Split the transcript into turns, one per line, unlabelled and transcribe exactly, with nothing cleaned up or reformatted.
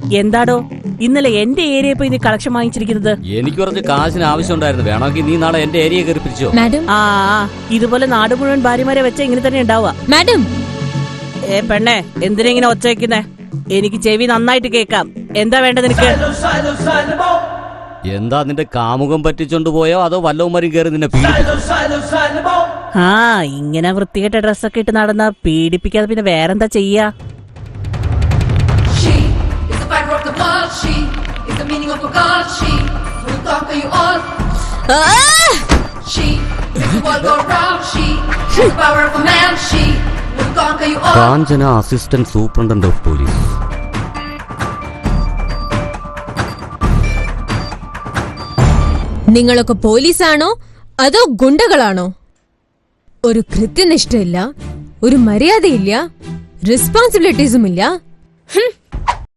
എന്താടോ ഇന്നലെ എന്റെ ഏരിയ പോയി നീ കളക്ഷൻ വാങ്ങിച്ചിരിക്കുന്നത്?
എനിക്ക് കുറച്ച് കാശിന് ആവശ്യമുണ്ടായിരുന്നു. വേണമെങ്കിൽ നീ നാളെ എന്റെ ഏരിയ കയറി പിരിച്ചോ.
മാഡം,
ആ ഇതുപോലെ നാട് മുഴുവൻ ഭാര്യമാരെ വെച്ച ഇങ്ങനെ തന്നെ ഉണ്ടാവുക.
മാഡം.
ഏ പെണ്ണെ, എന്തിനാ ഇങ്ങനെ ഒച്ച വെക്കുന്നേ? എനിക്ക് ചെവി നന്നായിട്ട് കേക്കാം. എന്താ വേണ്ടത് നിനക്ക്?
എന്താ നിന്റെ കാമുകം പറ്റിച്ചോണ്ട് പോയോ അതോ വല്ലവന്മാരും കയറി നിന്നെ പീഡിപ്പിച്ചോ?
ആ ഇങ്ങനെ വൃത്തികെട്ട ഡ്രസ്സൊക്കെ ഇട്ട് നടന്നാ പീഡിപ്പിക്കാതെ പിന്നെ വേറെന്താ ചെയ്യാ?
Kanchana, assistant superintendent of police.
നിങ്ങളൊക്കെ പോലീസാണോ അതോ ഗുണ്ടകളാണോ? ഒരു കൃത്യനിഷ്ഠയില്ല, ഒരു മര്യാദയില്ല, റെസ്പോൺസിബിലിറ്റീസും ഇല്ല.